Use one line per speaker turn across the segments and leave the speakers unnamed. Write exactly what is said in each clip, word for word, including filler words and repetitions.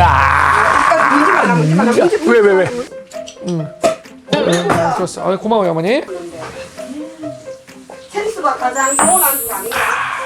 야.
문지 말라 문지 말라 문지
왜 왜 왜? 응. 좋았어. 아, 고마워요 어머니.
센스가 가장 좋은 안주가 아닌가?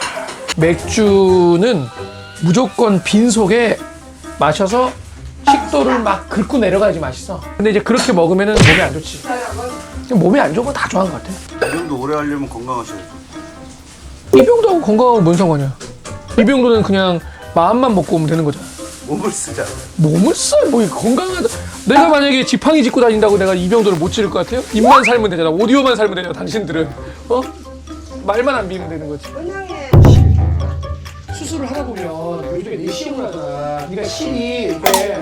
맥주는 무조건 빈속에 마셔서 식도를 막 긁고 내려가야지 맛있어. 근데 이제 그렇게 먹으면은 몸에 안 좋지. 몸에 안 좋은 건 다 좋아하는 것 같아.
이 정도 오래 하려면 건강하셔야죠.
이병도하고 건강하고 뭔 상관이야? 이병도는 그냥 마음만 먹고 오면 되는 거잖아.
몸을 쓰자.
몸을 써? 뭐 건강하다. 내가 만약에 지팡이 짚고 다닌다고 내가 이병도를 못 지를 것 같아요? 입만 살면 되잖아. 오디오만 살면 되잖아. 당신들은 어? 말만 안 비면 되는 거지.
은행에
수술을 하다 보면 요즘에 내시경을 하잖아. 네가 실이 이게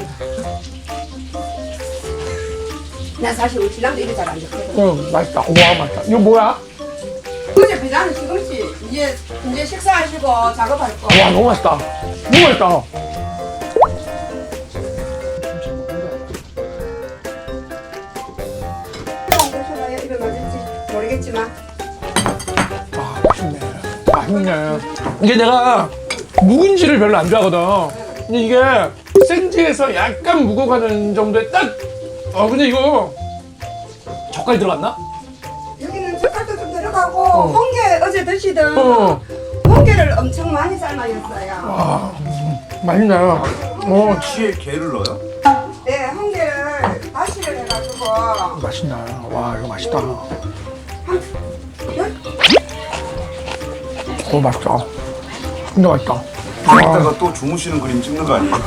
나 사실 우리 신랑도 이래 잘안 좋거든.
어 맛있다. 와 맛있다. 이거 뭐야?
어제 비자는 지금씩 이제 이제 식사하시고 작업할 거.
와 너무 맛있다. 너무 맛있다.
먹으셔봐야 입에 맞을지 모르겠지만.
아 맛있네. 맛있네. 이게 내가 묵은지를 별로 안 좋아하거든. 근데 이게 생지에서 약간 묵어가는 정도의 딱. 어 근데 이거 젓갈이 들어갔나?
여기는 젓갈도 좀 들어가고
어.
홍게 어제 드시던
어.
홍게를 엄청 많이 삶아였어요.
아 맛있네. 어
치에 게를 넣어요?
네, 홍게를 다시를 해가지고
맛있다. 와 이거 맛있다. 어 맛있다. 진짜 맛있다.
이따가 또 주무시는 그림 찍는 거 아니에요?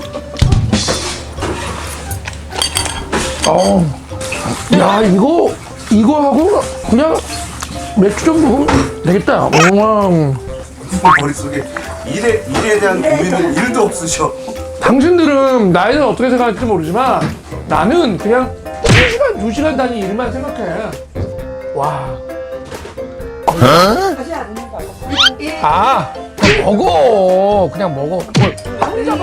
어. 야 이거 이거 하고 그냥 맥주 좀 먹으면 되겠다. 와.
머릿속에 일에, 일에 대한 고민은 일도 없으셔.
당신들은 나이는 어떻게 생각할지 모르지만 나는 그냥 한 시간 두 시간 단위 일만 생각해. 와.
하지 않는 거예요. 이-
아 먹어. 그냥 먹어. 뭘
혼자봐.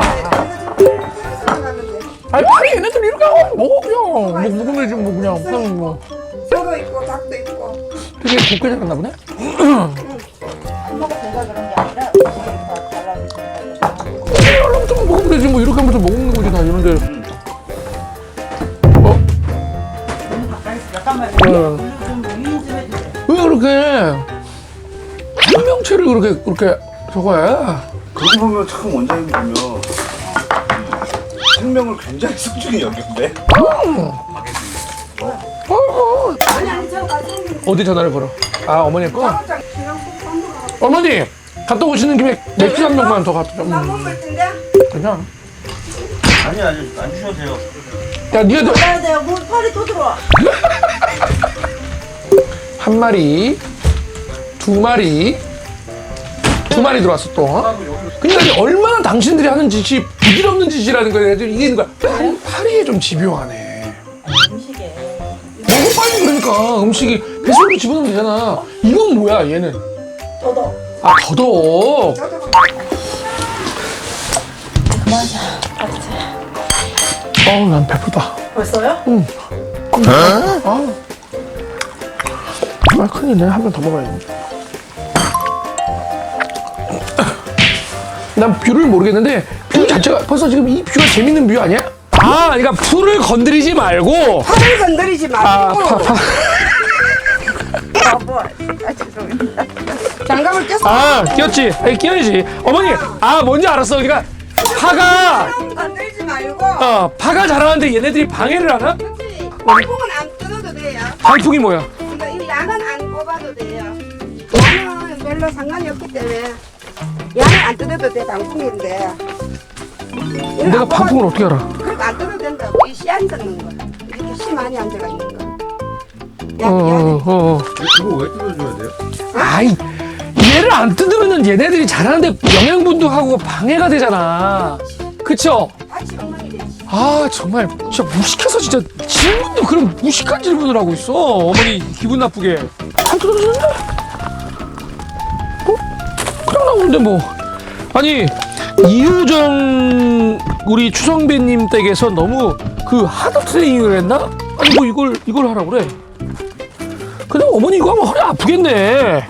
아니 파리 얘네들 이렇게 하고 먹어 그냥. 뭐 묵으면 지금 뭐 그냥 그냥 뭐
소도 있고 닭도 있고.
되게 곱게 생겼나 보네. 이러면 좀 먹으면 되지 뭐 이렇게 하면서 먹는 거지 다 이런데. 어? 네. 왜 그렇게 생명체를 그렇게 그렇게 저거 해?
그러고 보면 참 원장님 보면 생명을 굉장히 소중히 여긴데?
어,
아니 아니 저 가서
어디 전화를 걸어? 아 어머니 거?
작업장 신랑 꼭 한번 가고.
어머니 갔다 오시는 김에 맥주 한 병만 더 갖다 줘.
나
음,
먹을 텐데.
그냥.
아니 아니 안 주셔도 돼요.
야 니가
가야 돼요. 물 팔이 또 들어와.
한 마리, 두 마리, 두 마리 들어왔어 또. 그러니까 얼마나 당신들이 하는 짓이 부질없는 짓이라는 거야. 애들이 이기는 거야. 팔, 파리에 좀 집요하네.
음식에
먹어 빨리 그러니까 음식이 배속으로 집어넣으면 되잖아. 이건 뭐야 얘는?
저도.
아 더덕.
저도.
그만하자. 알았지?
어우 난 배부르다.
벌써요?
아, 아 큰일이네. 한 번 더 먹어야지. 난 뷰를 모르겠는데 뷰 자체가 벌써 지금 이 뷰가 재밌는 뷰 아니야? 아, 그러니까 풀을 건드리지 말고.
팔을 건드리지
아,
말고.
파, 파.
아, 뭐. 아, 죄송합니다.
장갑을 꼈어.
아, 끼웠지. 아니, 끼워야지. 어머니, 아, 뭔지 알았어. 그러니까 파가,
팔을 건드리지 말고.
어, 파가 자라는데 얘네들이 방해를 하나?
그렇지. 방풍은 안 뜯어도 돼요.
방풍이 뭐야?
그러니까 이 양은 안 뽑아도 돼요. 양은 별로 상관이 없기 때문에 양은 안 뜯어도 돼. 방풍인데. 얘는
내가
안 뽑아도-
방풍을 어떻게 알아?
그러니까 안 뜯어도 된다고. 이 씨 안 뜯는 거야. 이렇게 씨 많이 안 들어가 있는 거.
어,
양,
어,
양.
어, 어.
이거 왜 뜯어줘야 돼요?
아이, 얘를 안 뜯으면은 얘네들이 자라는데 영양분도 하고 방해가 되잖아. 그쵸?
같이 엉망이 되지.
아, 정말 진짜 무식해서 진짜 질문도 그런 무식한 질문을 하고 있어. 어머니 기분 나쁘게. 안 뜯어주는데? 어? 그냥 나오는데 뭐. 아니, 이효정 우리 추성배님 댁에서 너무 그 하드 트레이닝을 했나? 아니 뭐 이걸 이걸 하라고 그래. 근데 어머니 이거 하면 허리 아프겠네.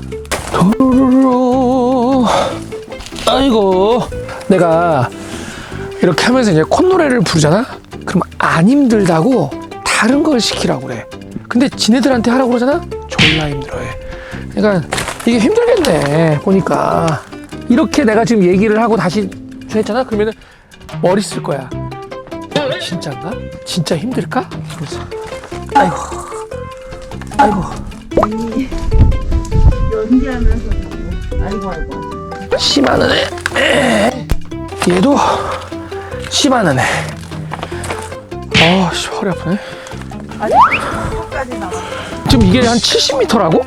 도로로로. 아이고 내가 이렇게 하면서 이제 콧노래를 부르잖아? 그럼 안 힘들다고 다른 걸 시키라고 그래. 근데 지네들한테 하라고 그러잖아? 졸라 힘들어해. 그러니까 이게 힘들겠네 보니까. 이렇게 내가 지금 얘기를 하고 다시 했잖아? 그러면은 머리 쓸 거야. 진짠가? 진짜 힘들까? 그래서 아이고 아이고
연기하면서 아이고 아이고.
심하는 애. 얘도 심하는 애. 아, 씨, 허리 아프네.
아니 끝까지 나가.
지금 이게 한 칠십 미터라고?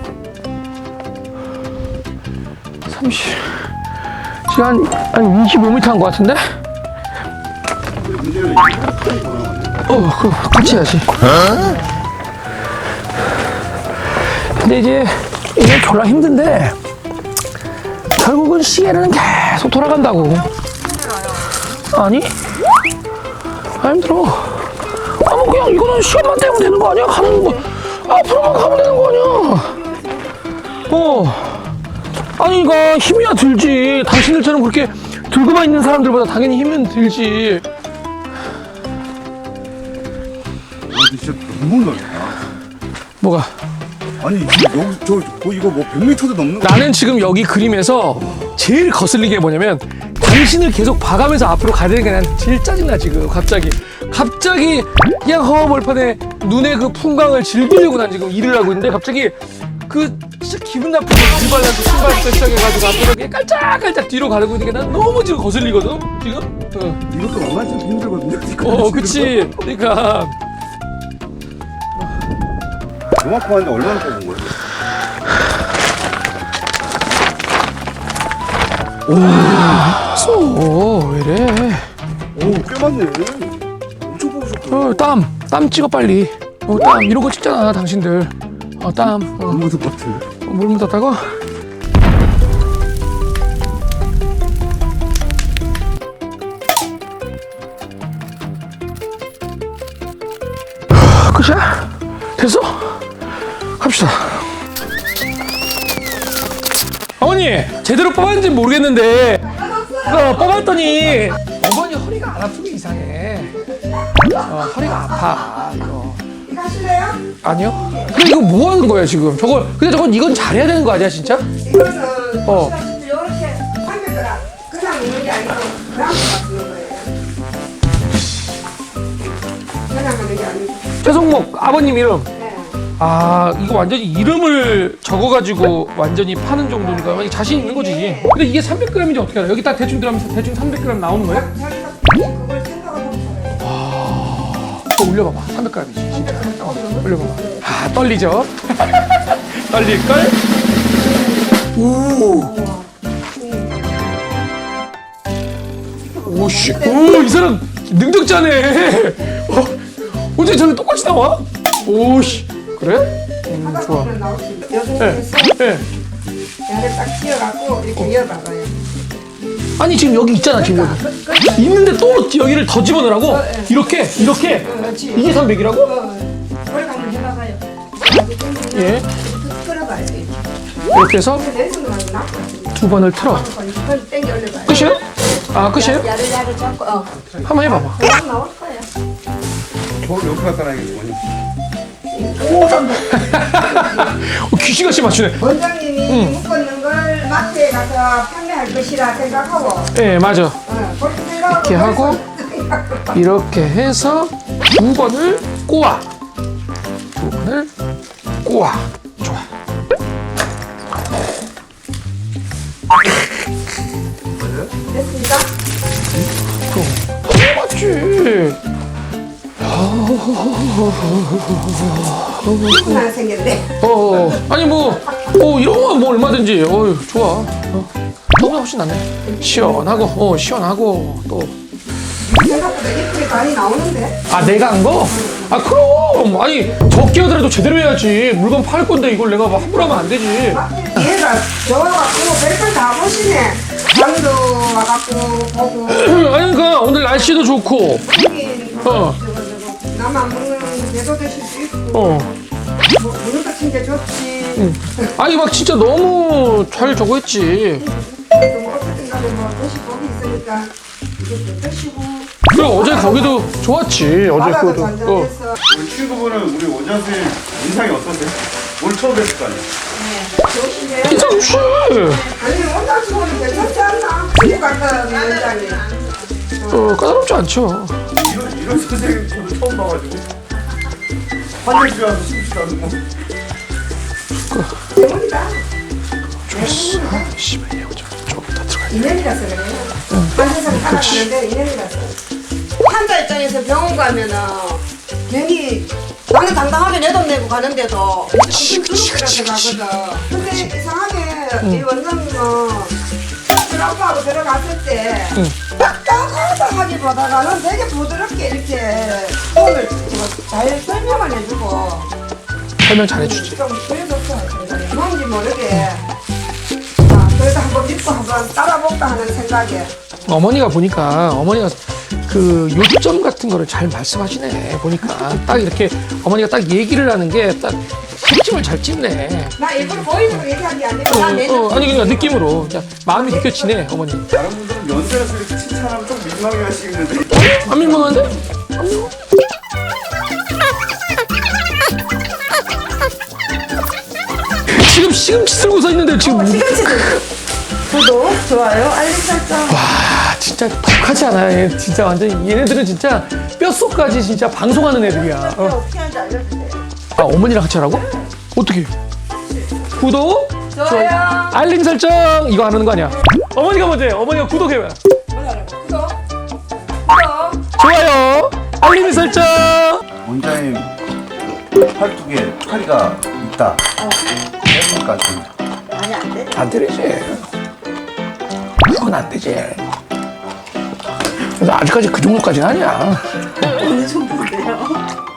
삼십. 지금 한, 한 이십오 미터 한 것 같은데? 어, 그, 같이 해야지. 근데 이제, 이게 졸라 힘든데, 결국은 시계는 계속 돌아간다고. 아니? 안 힘들어. 아, 뭐 그냥 이거는 시간만 떼면 되는 거 아니야? 가는 거. 앞으로만 가면 되는 거 아니야? 어. 아니, 그러니까 힘이야 들지. 당신들처럼 그렇게 들고만 있는 사람들보다 당연히 힘은 들지.
아, 진짜 너무 넓다.
뭐가?
아니 지금 여기 저 뭐, 이거 뭐 백 미터도 넘는 거.
나는 지금 여기 그림에서 제일 거슬리게 뭐냐면 당신을 계속 봐가면서 앞으로 가야 되는 게 난 제일 짜증나 지금. 갑자기 갑자기 그냥 허허벌판에 눈의 그 풍광을 즐기려고 난 지금 일을 하고 있는데 갑자기 그 진짜 기분 나쁘게 들발라서 신발부터 시작해가지고 앞으로 이렇게 깔짝깔짝 뒤로 가려고 있는 게 난 너무 지금 거슬리거든 지금. 어,
이것도 만만치 않게 힘들거든요.
어 그치. 그러니까
요만큼 하는데 얼마나 뽑은 거야?
오 왜래?
오꽤 많네. 엄청 뽑으셨다.
어, 땀, 땀 찍어 빨리. 어, 땀 이런 거 찍잖아 당신들. 어, 땀. 어,
너무 똑같아.
물 묻었다고? 하, 끝이야? 됐어? 갑시다. 어머니 제대로 뽑았는지 모르겠는데 어, 뽑았더니 어머니 허리가 안 아프게 이상해. 어, 허리가 아파 이거.
이거 하실래요?
아니요? 근데 이거 뭐 하는 거야 지금? 저거 근데 저건 이건 잘해야 되는 거 아니야 진짜?
이거는
어.
이렇게 하면더라. 그냥 있는 게 아니고 그냥 쓰는 거예요. 그냥 하는 게 아니고.
최성목 아버님 이름.
네.
아 이거 완전히 이름을 적어가지고 완전히 파는 정도니까 완전 자신 있는 거지. 근데 이게 삼백 그램인지 어떻게 알아? 여기 딱 대충 들어가면 대충 삼백 그램 나오는 거야?
자기가 그걸 생각을 못하네.
또 올려봐봐. 삼백 그램이지 진짜. 어, 올려봐봐. 아 떨리죠? 떨릴걸? 오. 오씨. 오이 사람 능력자네. 어, 어째 저렇게 똑같이 나와? 오씨. 그래? 음,
하다
좋아.
보면 나올 수 있어요.
네.
여기에서
네.
얘를 딱 쥐어갖고 이렇게 이어봐봐요.
아니 지금 여기 있잖아 지금 여기. 있는데 또 여기를 더 집어넣으라고? 이렇게 이렇게
그렇지.
이게 삼백이라고?
어, 머리 한번 해봐봐요.
예.
끌어봐요. 이렇게.
이렇게 해서
내 손으로 하면 나빠.
두 번을 틀어.
그걸 땡겨 올려봐요.
끝이에요? 아 끝이에요?
야를 잡고 어.
한번 해봐봐.
그냥 나올 거예요.
저 옆에 갖다 놔야겠어.
어, 귀신같이 맞추네.
원장님이 묶었는 걸 마트에 가서 판매할 것이라 생각하고
예 맞아.
어, 그렇게 생각하고
이렇게 하고 이렇게 해서 두 번을 꼬아. 두 번을 꼬아. 좋아.
됐습니까?
그럼 맞지.
하나 생겼네.
어 아니 뭐 어, 이런 거 뭐 얼마든지 어 좋아. 어, 너무 훨씬 낫네. 시원하고 어 시원하고 또.
생각보다 예쁘게 많이 나오는데.
아 내가 한 거? 아 그럼 아니 적게 하더라도 제대로 해야지. 물건 팔 건데 이걸 내가 막 함부로 하면 안 되지.
얘가 좋아갖고 별걸 다 보시네. 방도 와갖고 보고
아니 그러니까 오늘 날씨도 좋고
여기
어.
나만 먹는 데도 드실 수 있고
어
뭐, 먹는 거 진짜 좋지.
아니 막 진짜 너무 잘 저거 했지.
좀 어쨌든 간에 뭐 도시 복이 있으니까 맛있게 드시고.
그래 어제 거기도 좋았지. 어제
바다도
그도. 어.
잔잔해서.
우리 친구분은 우리 원장 선생님 인상이 어떠세요? 오늘 처음 뵀을 거 아니에요?
좋으시네요.
괜찮지.
아니 원장 친구는 괜찮지 않나? 친구 같다는 원장이.
어 까다롭지 않죠.
이런, 이런 선생님 저도 처음 봐가지고 화장실 와서 숨쉬다는 뭐
대문이다.
좋았어. 아, 씨발 이거 좀 조금 더 들어가.
인연이라서 그래요. 한 세상 살아가는데 인연이라서. 환자 입장에서 병원 가면은 괜히 나는 당당하게 내 돈 내고 가는데도 무슨 두렵게 가거든. 근데 이상하게 이 원장님은 트라우마하고 들어갔을 때 딱딱하다하기보다는 되게 부드럽게 이렇게 오늘 잘 설명을 해주고
설명 잘해주지.
좀 그래줬어. 뭔지 모르게. 아, 그래도 한번 믿고 한번 따라볼까 하는 생각에.
어머니가 보니까 어머니가 그 요점 같은 거를 잘 말씀하시네. 보니까 딱 이렇게 어머니가 딱 얘기를 하는 게 딱 핵심을 잘 찝네.
나 일부러 보이는 거 얘기한 게 아니고
어,
난 내
어, 아니 그러니까 느낌으로 그냥 마음이 느껴지네 어머니.
다른 분들은 연세라서 이렇게 칭찬하면 좀 민망해 하시겠는데
안 민망한데? 안 민망. 지금 시금치 들고서 있는데 지금
시금치 구독, 좋아요, 알림 설정.
와 진짜 독하지 않아요? 얘 진짜 완전 얘네들은 진짜 뼛속까지 진짜 방송하는 애들이야. 어.
어떻게 하는지 알려주세요.
아 어머니랑 같이 하라고? 어떻게? 구독,
좋아요.
알림 설정 이거 하는 거 아니야? 어머니가 먼저 해. 어머니가 구독해봐.
구독, 구독.
좋아요, 알림 설정.
원장님 팔뚝에 파리가 있다 해보니까 좀
아니 안 돼.
안 되지. 그건 안 되지. 그래서 아직까지 그 정도까지는 아니야.
어느 정도인데요?